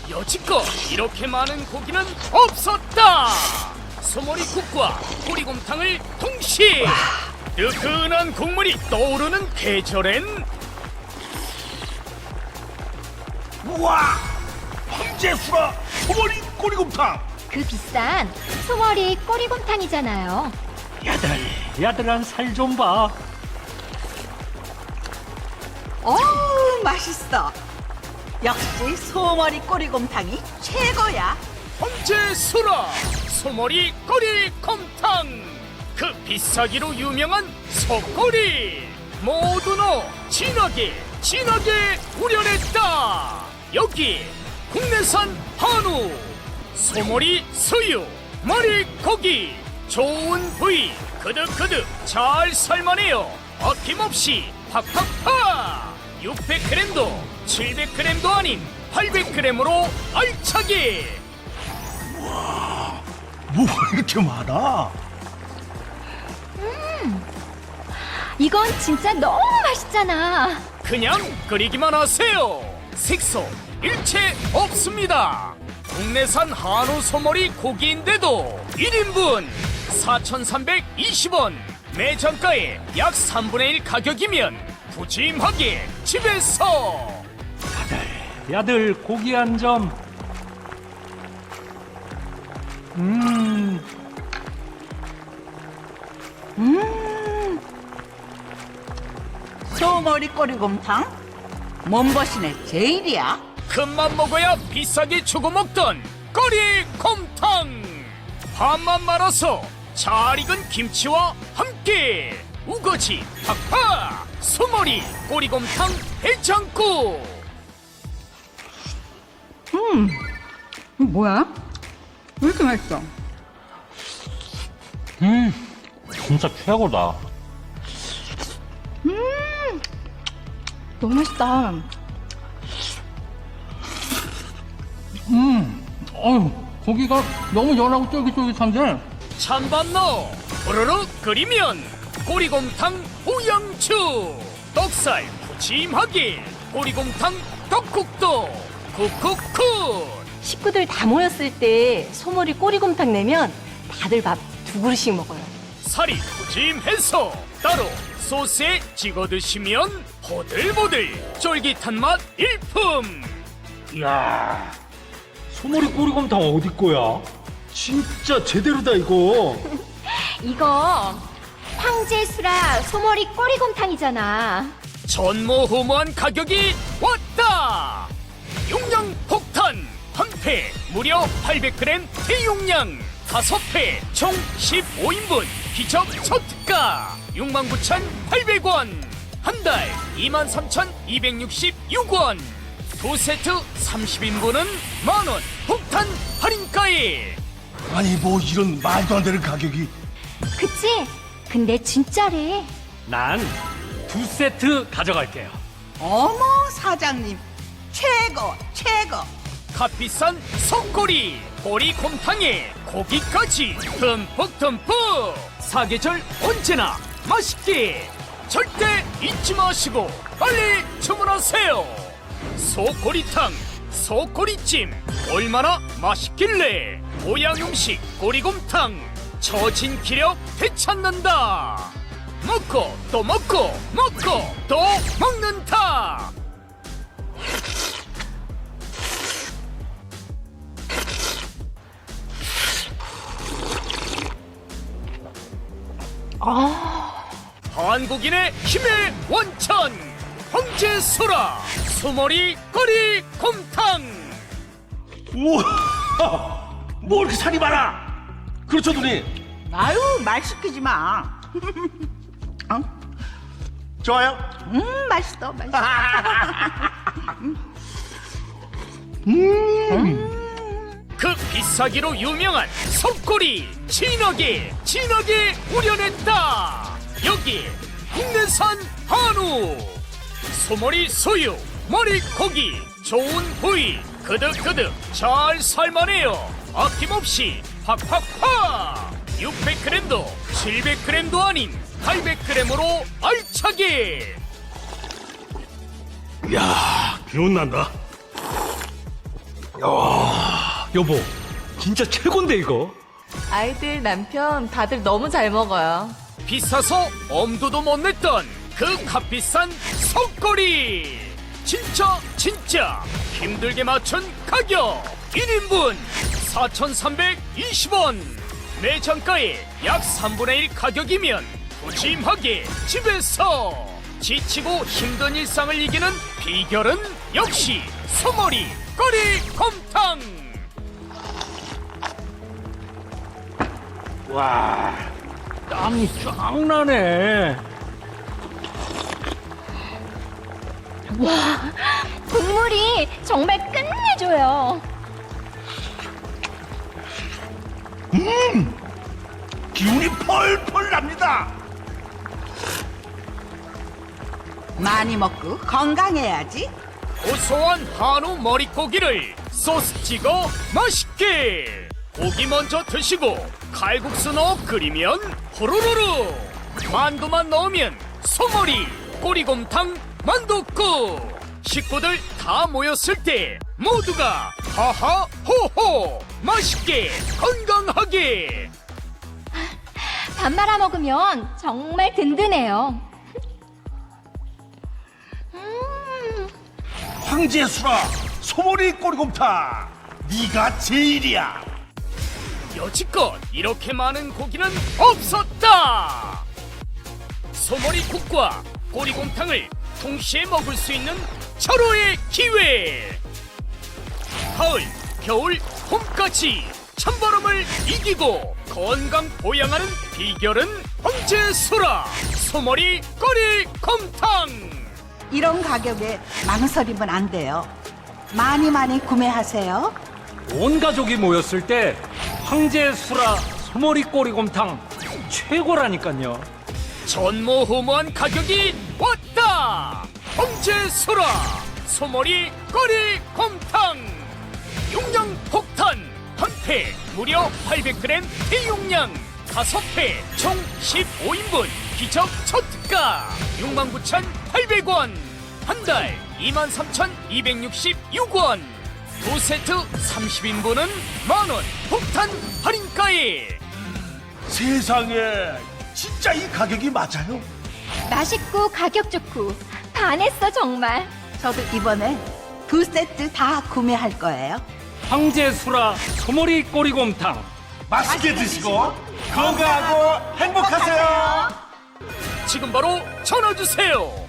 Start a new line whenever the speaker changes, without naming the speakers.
여지껏 이렇게 많은 고기는 없었다. 소머리국과 꼬리곰탕을 동시에 뜨끈한 국물이 떠오르는 계절엔
우와! 황제수라 소머리 꼬리곰탕!
그 비싼 소머리 꼬리곰탕이잖아요.
야들한 살 좀 봐.
어우, 맛있어. 역시 소머리 꼬리곰탕이 최고야.
황제수라 소머리 꼬리곰탕. 그 비싸기로 유명한 소꼬리 모두 넣어 진하게 우려냈다. 여기 국내산 한우, 소머리 수유, 머리고기 좋은 부위 그득그득 잘 삶아내요. 아낌없이 팍팍팍 600g도 700g도 아닌 800g으로 알차게.
뭐가 이렇게 많아?
이건 진짜 너무 맛있잖아.
그냥 끓이기만 하세요. 색소 일체 없습니다. 국내산 한우 소머리 고기인데도 1인분 4,320원. 매장가의 약 3분의 1 가격이면 푸짐하게 집에서.
야들 고기 한 점.
소머리 꼬리곰탕? 몸보신의 제일이야.
큰맘 먹어야 비싸게 주고 먹던 꼬리곰탕. 밥만 말아서 잘 익은 김치와 함께 우거지 팍팍 소머리 꼬리곰탕 해장국.
뭐야? 왜 이렇게 맛있어?
진짜 최고다.
너무 맛있다.
고기가 너무 연하고 쫄깃쫄깃한데.
찬밥 넣어 후루룩 끓이면 꼬리곰탕 우양추. 떡살 푸짐하게 꼬리곰탕 떡국도 쿡쿡쿡.
식구들 다 모였을 때 소머리 꼬리곰탕 내면 다들 밥 두 그릇씩 먹어요.
살이 푸짐해서 따로 소스에 찍어 드시면 보들보들 쫄깃한 맛 일품.
이야, 소머리 꼬리곰탕 어디 거야? 진짜 제대로다 이거.
이거 황제수라 소머리 꼬리곰탕이잖아.
전무후무한 가격이 왔다. 용량 폭탄 한 팩 무려 800g 대용량 5팩 총 15인분 기적 초특가 69,800원. 한 달 23,266원. 두 세트 30인분은 만원 폭탄 할인가에.
아니 뭐 이런 말도 안 되는 가격이.
그치? 근데 진짜래.
난 두 세트 가져갈게요.
어머, 사장님. 최고.
값비싼 속꼬리 꼬리곰탕에 고기까지 듬뿍 사계절 언제나 맛있게. 절대 잊지 마시고 빨리 주문하세요. 소꼬리탕 소꼬리찜 얼마나 맛있길래 보양음식 꼬리곰탕 처진 기력 되찾는다. 먹고 또 먹고 또 먹는다. 한국인의 힘의 원천 황제소라 소머리 꼬리곰탕.
우와! 뭐 이렇게 살이 많아? 그렇죠 누님?
아유, 말 시키지 마.
좋아요?
맛있어.
그 비싸기로 유명한 속꼬리 진하게 우려냈다. 여기 국내산 한우 소머리 소유 머리고기 좋은 부위 그득그득 잘 삶아내요. 아낌없이 팍팍팍 600g도 700g도 아닌 800g으로 알차게.
야, 기운난다.
여보, 진짜 최곤데 이거.
아이들, 남편 다들 너무 잘 먹어요.
비싸서 엄두도 못 냈던 그 값비싼 속거리 진짜 힘들게 맞춘 가격 1인분 4,320원 매장가의 약 3분의 1 가격이면 푸짐하게 집에서 지치고 힘든 일상을 이기는 비결은 역시 소머리 꼬리곰탕.
와, 땀이 쫙 나네.
국물이 정말 끝내줘요.
기운이 펄펄 납니다.
많이 먹고 건강해야지.
고소한 한우 머릿고기를 소스 찍어 맛있게 고기 먼저 드시고 칼국수 넣어 끓이면 후루루루 만두만 넣으면 소머리 꼬리곰탕 만둣국 식구들 다 모였을 때 모두가 하하 호호 맛있게 건강하게
밥 말아 먹으면 정말 든든해요.
황제수라 소머리 꼬리곰탕 네가 제일이야.
여지껏 이렇게 많은 고기는 없었다. 소머리국과 꼬리곰탕을 동시에 먹을 수 있는 절호의 기회. 가을, 겨울, 봄까지 찬바람을 이기고 건강 보양하는 비결은 황제수라 소머리 꼬리곰탕.
이런 가격에 망설이면 안 돼요. 많이 구매하세요.
온 가족이 모였을 때 황제 수라 소머리 꼬리곰탕 최고라니까요.
전무후무한 가격이 왔다. 황제수라 소머리 꼬리곰탕 용량 폭탄 한 팩 무려 800g 대용량 5팩 총 15인분 기적 초특가 69,800원 한 달 23,266원 두 세트 30인분은 만원 폭탄 할인가에.
세상에 진짜 이 가격이 맞아요?
맛있고 가격 좋고 반했어 정말.
저도 이번에 2세트 다 구매할 거예요.
황제 수라 소머리 꼬리곰탕.
맛있게 드시고 건강하고 행복하세요.
지금 바로 전화 주세요.